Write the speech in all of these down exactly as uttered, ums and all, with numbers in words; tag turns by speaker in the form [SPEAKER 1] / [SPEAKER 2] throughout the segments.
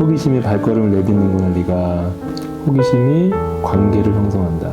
[SPEAKER 1] 호기심이 발걸음을 내딛는구나. 네가 호기심이 관계를 형성한다.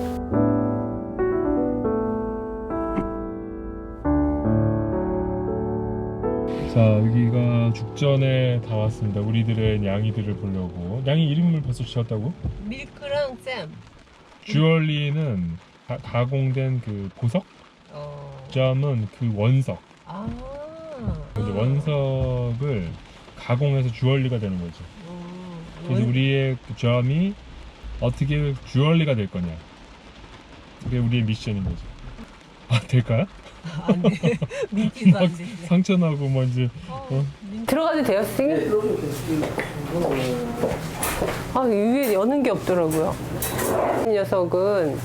[SPEAKER 1] 자, 여기가 죽전에 다 왔습니다. 우리들의 양이들을 보려고. 양이 이름을 벌써 지었다고?
[SPEAKER 2] 밀크랑 잼.
[SPEAKER 1] 주얼리는 가, 가공된 그 보석,
[SPEAKER 2] 어.
[SPEAKER 1] 잼은 그 원석.
[SPEAKER 2] 아.
[SPEAKER 1] 이제 원석을 가공해서 주얼리가 되는 거죠.
[SPEAKER 2] 음.
[SPEAKER 1] 그래서
[SPEAKER 2] 원...
[SPEAKER 1] 우리의 그 잼이 어떻게 주얼리가 될 거냐. 그게 우리의 미션인 거죠. 아, 될까요?
[SPEAKER 2] 안 돼. 민기도 안 돼.
[SPEAKER 1] 상처 나고 뭐 이제
[SPEAKER 2] 어,
[SPEAKER 1] 어?
[SPEAKER 2] 들어가도 돼요, 선생님? 아, 위에 여는 게 없더라고요. 이 녀석은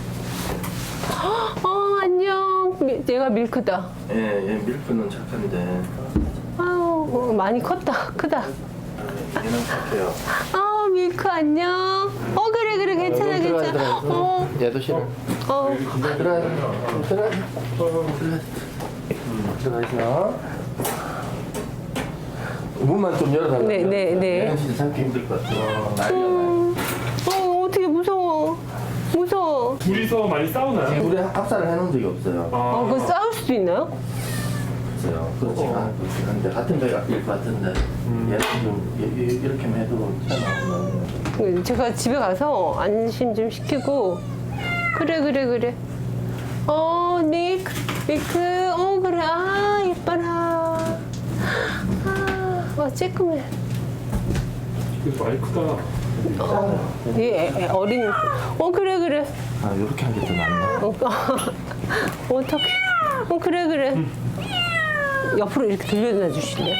[SPEAKER 2] 어, 안녕. 미, 얘가 밀크다.
[SPEAKER 3] 예, 얘 밀크는 착한데
[SPEAKER 2] 아유, 어, 많이 컸다. 크다.
[SPEAKER 3] 얘는 착해요.
[SPEAKER 2] 아, 밀크 안녕. 어, 그래 그래 괜찮아 괜찮아. 어.
[SPEAKER 3] 얘도 싫어.
[SPEAKER 2] 어.
[SPEAKER 3] 들어가, 들어가, 들어가. 들어가 있어. 문만 좀 열어달라.
[SPEAKER 2] 네, 네, 네.
[SPEAKER 3] 얘는 진짜 참기 힘들 것 같아. 난리가 나.
[SPEAKER 2] 어, 어떻게 무서워. 무서워.
[SPEAKER 1] 둘이서 많이 싸우나요?
[SPEAKER 3] 우리 합사를 해놓은 적이 없어요.
[SPEAKER 2] 어, 그거 싸울 수도 있나요?
[SPEAKER 3] 없어요. 그렇지가 않- 그렇지가 않은데 같은 배일 것 같은데 얘는 좀 이- 이- 이렇게만 해도 괜찮아.
[SPEAKER 2] 제가 집에 가서 안심 좀 시키고 그래 그래 그래 어 밀크 밀크 어 그래 아 예뻐라 아와 쬐끔해
[SPEAKER 1] 이거 많이 크다.
[SPEAKER 2] 얘 애- 어린 어 그래 그래
[SPEAKER 3] 아, 이렇게 하는 게 더 낫나?
[SPEAKER 2] 어, 어떡해 어 그래 그래 옆으로 이렇게 돌려놔 주실래요?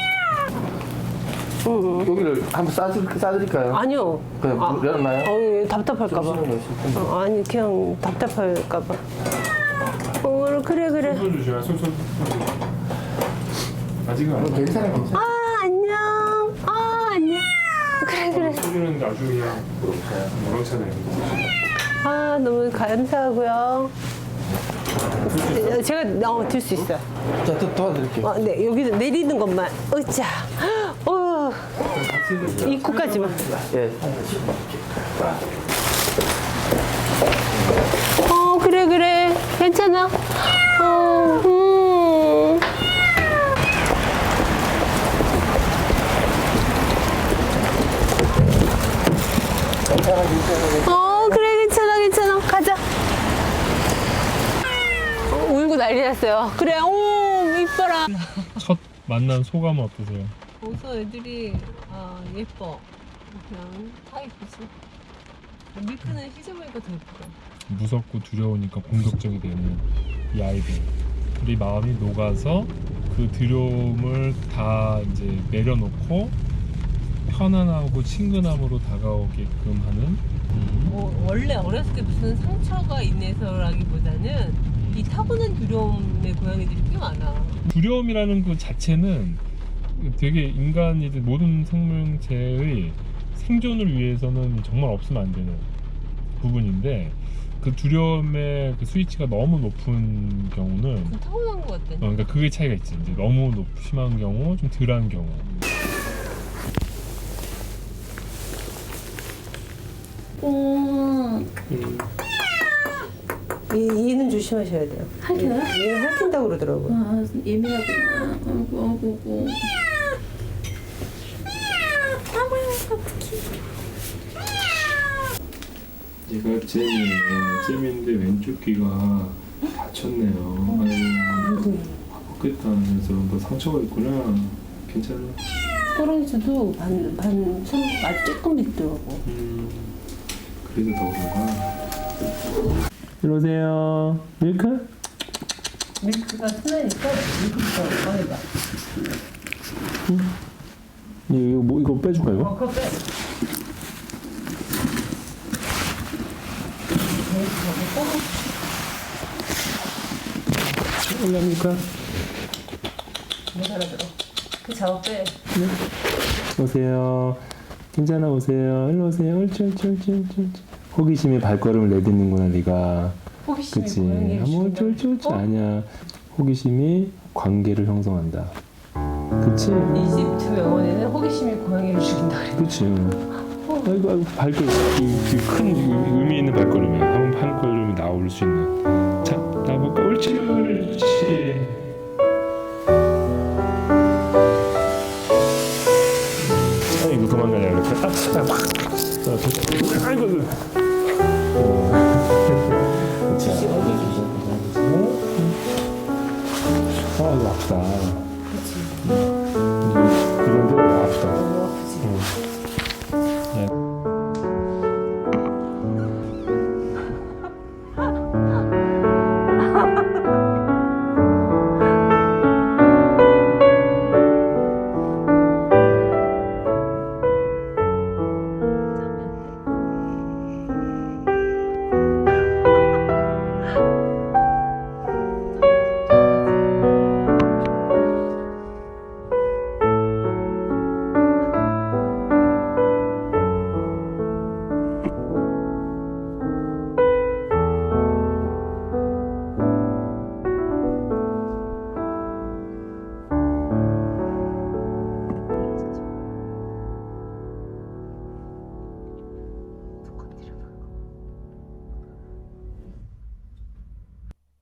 [SPEAKER 2] 응, 응.
[SPEAKER 3] 여기를 한번 싸줄, 싸드릴까요?
[SPEAKER 2] 아니요
[SPEAKER 3] 그냥
[SPEAKER 2] 아,
[SPEAKER 3] 열었나요?
[SPEAKER 2] 어, 예, 답답할까봐
[SPEAKER 3] 정신을 내실 텐데.
[SPEAKER 2] 어, 아니 그냥 답답할까봐 어 그래 그래
[SPEAKER 1] 손 주시면 손손. 아직은
[SPEAKER 3] 어,
[SPEAKER 1] 안.
[SPEAKER 3] 괜찮아, 괜찮아.
[SPEAKER 2] 아 안녕 아 안녕 그래 그래
[SPEAKER 1] 소주는 아주 그냥 무렁차네요.
[SPEAKER 2] 아 너무 감사하고요 제가 어, 들 수 있어요
[SPEAKER 3] 자, 또 도와드릴게요.
[SPEAKER 2] 어, 네 여기서 내리는 것만 으쌰 어 이 코까지만
[SPEAKER 3] 예.
[SPEAKER 2] 어 그래 그래 괜찮아 어 음. 어 그래 괜찮아 괜찮아 가자 어, 울고 난리 났어요 그래 오 이뻐라
[SPEAKER 1] 첫 만난 소감은 어떠세요?
[SPEAKER 2] 벌써 애들이 아 예뻐 그냥 다 예쁘지 밀크는 휘저으니까 더 예쁘다
[SPEAKER 1] 무섭고 두려우니까 공격적이 되는 이 아이들. 우리 마음이 녹아서 그 두려움을 다 이제 내려놓고 편안하고 친근함으로 다가오게끔 하는.
[SPEAKER 2] 뭐, 원래 어렸을 때 무슨 상처가 인해서라기보다는 이 타고난 두려움의 고양이들이 꽤 많아
[SPEAKER 1] 두려움이라는 그 자체는 되게 인간이든 모든 생명체의 생존을 위해서는 정말 없으면 안 되는 부분인데 그 두려움의 그 스위치가 너무 높은 경우는
[SPEAKER 2] 그건 타고난 것 같아
[SPEAKER 1] 어, 그러니까 그게 차이가 있지. 이제 너무 높, 심한 경우, 좀 덜한 경우.
[SPEAKER 2] 음. 얘, 얘는 조심하셔야 돼요
[SPEAKER 4] 핥혀요?
[SPEAKER 2] 얘, 얘는 핥힌다고 그러더라고요
[SPEAKER 4] 아, 예민하구나. 아이고, 아이고, 아이고.
[SPEAKER 1] 얘가 잼이에요. 잼인데 왼쪽 귀가 다쳤네요. 아이고, 아프겠다 하면서 너 상처가 있구나. 괜찮아.
[SPEAKER 2] 호랑이도 반, 반, 손 아주 조금 있더라고
[SPEAKER 1] 음, 그래서 더 그런가? 이리 오세요. 밀크?
[SPEAKER 2] 밀크가 순하니까 밀크부터 꺼내봐
[SPEAKER 1] 이거 뭐 이거 빼줄까 이거?
[SPEAKER 2] 어, 그거 빼
[SPEAKER 1] 올랍니까?
[SPEAKER 2] 못 알아들어 그 작업 빼
[SPEAKER 1] 오세요. 괜찮아 오세요. 일로 오세요. 옳지 옳지 옳지 옳지 옳지. 호기심이 발걸음을 내딛는구나 네가.
[SPEAKER 2] 호기심이
[SPEAKER 1] 그치.
[SPEAKER 2] 고양이를
[SPEAKER 1] 뭐 옳지 옳지 옳지. 아니야. 호기심이 관계를 형성한다. 그치?
[SPEAKER 2] 이집트 명언에는 호기심이 고양이를 죽인다 그래.
[SPEAKER 1] 그치. 아이고, 아이고, 발걸음. 이, 이 큰 의미 있는 발걸음이야. 한, 한 걸음이 나올 수 있는. 자, 나볼까? 옳지, 옳지. 아이고, 도망가냐, 이렇게. 아, 아, 아, 됐다. 아이고, 아이고.
[SPEAKER 3] 자, 어디 주신
[SPEAKER 1] 아, 이거 아프다.
[SPEAKER 2] 그치.
[SPEAKER 1] 이거